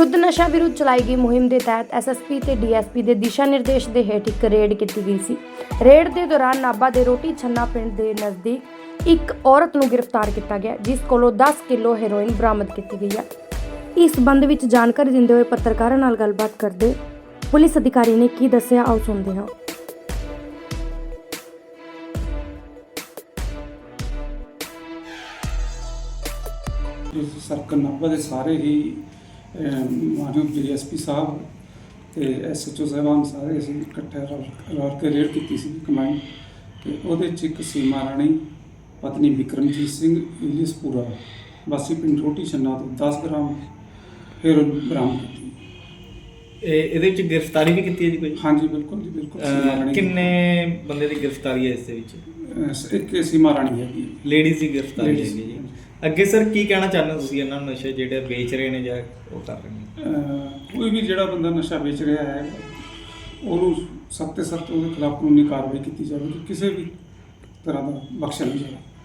युद्ध नशा विरुद्ध चलाई गई मुहिम के तहत SSP ते DSP के दिशा निर्देश के हेठ एक रेड की गई सी। रेड के दौरान नाभा के रोटी छन्ना पिंड के नज़दीक एक औरत को गिरफ्तार किया गया, जिस कोलों 10 किलो हेरोइन बरामद की गई है। इस संबंध में जानकारी देंदे हुए पत्रकारों नाल गलबात करते पुलिस अधिकारी ने की दस्सिया, आओ सुनते हैं। सर्कल नाभा के सारे ही मानयोग DSP साहब तो SHO साहबान सारे असीं इकट्ठे रल के रेड की सी कमाई। तो वो एक सीमा राणी पत्नी विक्रमजीत सिंह इलियसपुरा वासी पिंड रोटी छन्ना तो 10 ग्राम हेरोइन बरामद की। ਇਹਦੇ ਵਿੱਚ गिरफ्तारी भी की है जी कोई? हाँ जी बिल्कुल जी बिल्कुल। किन्ने बंदे की गिरफ्तारी है इस एक सीमा राणी है जी, लेडीज़ की गिरफ्तारी है जी। ਅੱਗੇ ਸਰ ਕੀ ਕਹਿਣਾ ਚਾਹੁੰਦੇ ਹੋ ਤੁਸੀਂ ਇਹਨਾਂ ਨਸ਼ੇ ਜਿਹੜੇ ਵੇਚ ਰਹੇ ਨੇ ਜਾਂ ਉਹ ਕਰ ਰਹੇ ਨੇ? ਕੋਈ ਵੀ ਜਿਹੜਾ ਬੰਦਾ ਨਸ਼ਾ ਵੇਚ ਰਿਹਾ ਹੈ ਉਹਨੂੰ ਸਖਤ ਤੋਂ ਸਖਤ ਉਹਦੇ ਖਿਲਾਫ ਕਾਨੂੰਨੀ ਕਾਰਵਾਈ ਕੀਤੀ ਜਾਵੇ, ਕਿਸੇ ਵੀ ਤਰ੍ਹਾਂ ਦਾ ਬਖਸ਼ਿਆ ਨਹੀਂ ਜਾਵੇ।